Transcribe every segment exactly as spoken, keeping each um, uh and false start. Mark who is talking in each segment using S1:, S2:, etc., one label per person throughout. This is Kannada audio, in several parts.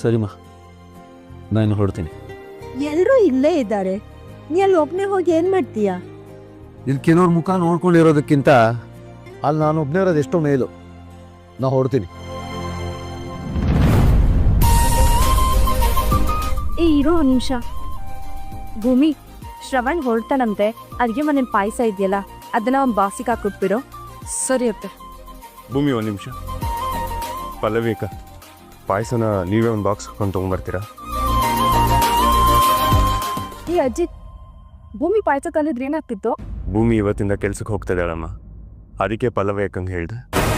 S1: ಸರಿಮಾ, ನಾನು ಹೊರಡ್ತೀನಿ.
S2: ಎಲ್ಲರೂ ಇಲ್ಲೇ ಇದ್ದಾರೆ, ನೀ ಅಲ್ಲಿ ಒಬ್ಬನೇ ಹೋಗಿ ಏನು ಮಾಡ್ತೀಯಾ?
S1: ಇಲ್ಲಿ ಕೆಲವ್ರ ಮುಖ ನೋಡ್ಕೊಂಡಿರೋದಕ್ಕಿಂತ ಅಲ್ಲಿ ನಾನು ಒಬ್ಬನೇ ಇರೋದು ಎಷ್ಟೋ ಮೇಲು. ನಾ ಹೊರಡ್ತೀನಿ.
S2: ಏ ಇರೋ ಒಂದು ನಿಮಿಷ. ಭೂಮಿ, ಶ್ರವಣ್ ಹೊರಡ್ತಾನಂತೆ, ಅಡುಗೆ ಮನೇಲಿ ಪಾಯಸ ಇದೆಯಲ್ಲ ಅದನ್ನ ಒಂದು ಬಾಕ್ಸಿಗೆ ಹಾಕ್ಬಿಟ್ಬಿರೋ.
S3: ಸರಿ ಅತ್ತೆ.
S4: ಭೂಮಿ ಒಂದು ನಿಮಿಷ. ಪಲ್ಲವಿಕ, ಪಾಯಸನ ನೀವೇ ಒಂದು ಬಾಕ್ಸ್ ಹಾಕೊಂಡು ತೊಗೊಂಡ್ಬರ್ತೀರಾ?
S2: ಈ ಅಜ್ಜಿ, ಭೂಮಿ ಪಾಯಸ ತಂದಿದ್ರೆ ಏನಾಗ್ತಿತ್ತು?
S4: ಭೂಮಿ ಇವತ್ತಿಂದ ಕೆಲ್ಸಕ್ಕೆ ಹೋಗ್ತಾ ಇದ್ದಾಳಮ್ಮ, ಅದಕ್ಕೆ ಪಲ್ಲವಿ ಅಕ್ಕಂಗೆ ಹೇಳ್ದೆ.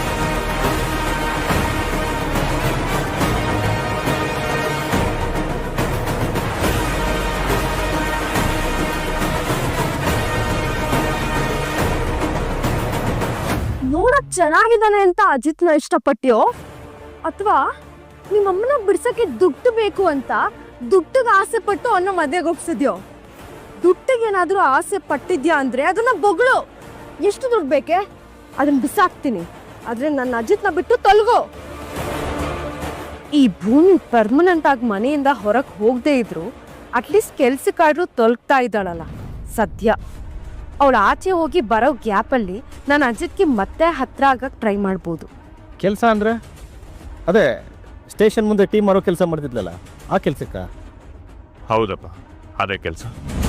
S2: ನೋಡಕ್ ಚೆನ್ನಾಗಿದ್ದಾನೆ ಅಂತ ಅಜಿತ್ನ ಇಷ್ಟಪಟ್ಟ್ಯೋ, ಅಥವಾ ನಿಮ್ಮಮ್ಮನ ಬಿಡ್ಸಕ್ಕೆ ದುಡ್ಡು ಬೇಕು ಅಂತ ದುಡ್ಡಿಗೆ ಆಸೆ ಪಟ್ಟು ಅನ್ನೋ ಮದ್ವೆಗೆ ಒಪ್ಸಿದ್ಯೋ? ದುಡ್ಡಿಗೇನಾದ್ರೂ ಆಸೆ ಪಟ್ಟಿದ್ಯಾ ಅಂದ್ರೆ ಅದನ್ನ ಬೊಗಳು. ಎಷ್ಟು ದುಡ್ಡು ಬೇಕೆ ಅದನ್ನ ಬಿಸಾಕ್ತೀನಿ, ಆದ್ರೆ ನನ್ನ ಅಜಿತ್ನ ಬಿಟ್ಟು ತೊಲಗೋ. ಈ ಭೂಮಿ ಪರ್ಮನೆಂಟ್ ಆಗಿ ಮನೆಯಿಂದ ಹೊರಗೆ ಹೋಗದೆ ಇದ್ರು ಅಟ್ಲೀಸ್ಟ್ ಕೆಲ್ಸಕ್ಕಾದ್ರೂ ತೊಲಗ್ತಾ ಇದ್ದಾಳಲ್ಲ ಸದ್ಯ. ಅವಳು ಆಚೆ ಹೋಗಿ ಬರೋ ಗ್ಯಾಪಲ್ಲಿ ನಾನು ಅಜಿತ್ಗೆ ಮತ್ತೆ ಹತ್ರ ಆಗಕ್ಕೆ ಟ್ರೈ ಮಾಡ್ಬೋದು.
S5: ಕೆಲಸ ಅಂದರೆ ಅದೇ ಸ್ಟೇಷನ್ ಮುಂದೆ ಟೀಮ್ ಮಾಡೋ ಕೆಲಸ ಮಾಡ್ತಿದ್ಲಲ್ಲ, ಆ ಕೆಲಸಕ್ಕ?
S4: ಹೌದಪ್ಪ, ಅದೇ ಕೆಲಸ.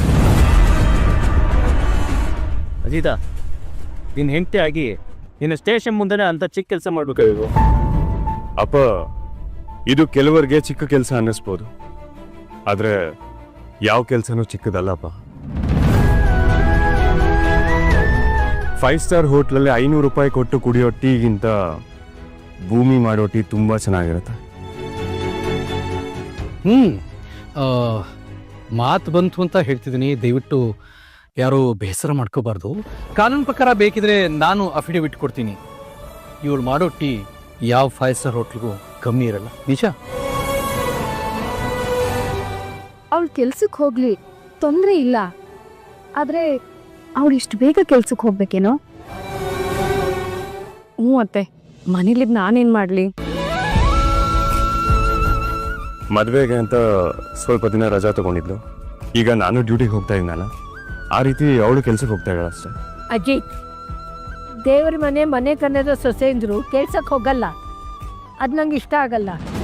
S5: ಅಜಿತ, ನಿನ್ನ ಹೆಂಡತಿ ಆಗಿ ನಿನ್ನ ಸ್ಟೇಷನ್ ಮುಂದೆನೇ ಅಂತ ಚಿಕ್ಕ ಕೆಲಸ ಮಾಡ್ಬೇಕಾಗಿತ್ತು.
S4: ಅಪ್ಪ, ಇದು ಕೆಲವರಿಗೆ ಚಿಕ್ಕ ಕೆಲಸ ಅನ್ನಿಸ್ಬೋದು, ಆದರೆ ಯಾವ ಕೆಲಸನೂ ಚಿಕ್ಕದಲ್ಲಪ್ಪ. ಫೈವ್ ಸ್ಟಾರ್ ಹೋಟ್ಲಲ್ಲಿ ಐನೂರು ರೂಪಾಯಿ ಕೊಟ್ಟು ಕುಡಿಯೋ ಟೀಗಿಂತ ಭೂಮಿ ಮಾಡೋ ಟೀ ತುಂಬ ಚೆನ್ನಾಗಿರುತ್ತೆ.
S6: ಹ್ಞೂ ಮಾತು ಬಂತು ಅಂತ ಹೇಳ್ತಿದ್ದೀನಿ, ದಯವಿಟ್ಟು ಯಾರೂ ಬೇಸರ ಮಾಡ್ಕೋಬಾರ್ದು. ಕಾನೂನು ಪ್ರಕಾರ ಬೇಕಿದ್ರೆ ನಾನು ಅಫಿಡವಿಟ್ ಕೊಡ್ತೀನಿ. ಇವಳು ಮಾಡೋ ಟೀ ಯಾವ ಫೈವ್ ಸ್ಟಾರ್ ಹೋಟ್ಲಿಗೂ ಕಮ್ಮಿ ಇರಲ್ಲ, ನಿಜ.
S2: ಅವಳು ಕೆಲ್ಸಕ್ಕೆ ಹೋಗ್ಲಿ, ತೊಂದರೆ ಇಲ್ಲ. ಆದರೆ ಅವಳು ಇಷ್ಟು ಬೇಗ ಕೆಲ್ಸಕ್ಕೆ ಹೋಗ್ಬೇಕೇನೋ? ಹ್ಞೂ ಅತ್ತೆ, ಮನೇಲಿದ್ದು ನಾನೇನು ಮಾಡಲಿ?
S4: ಮದುವೆಗೆ ಅಂತ ಸ್ವಲ್ಪ ದಿನ ರಜಾ ತಗೊಂಡಿದ್ಲು. ಈಗ ನಾನು ಡ್ಯೂಟಿಗೆ ಹೋಗ್ತಾ ಇದ್ದೀನಲ್ಲ, ಆ ರೀತಿ ಅವಳು ಕೆಲ್ಸಕ್ಕೆ ಹೋಗ್ತಾ ಇದ್ದಾಳೆ ಅಷ್ಟೇ.
S2: ಅಜ್ಜಿ, ದೇವ್ರ ಮನೆ ಮನೆ ಕನ್ನದ ಸೊಸೆ ಅಂದ್ರು ಕೆಲ್ಸಕ್ಕೆ ಹೋಗಲ್ಲ, ಅದು ನಂಗೆ ಇಷ್ಟ ಆಗಲ್ಲ.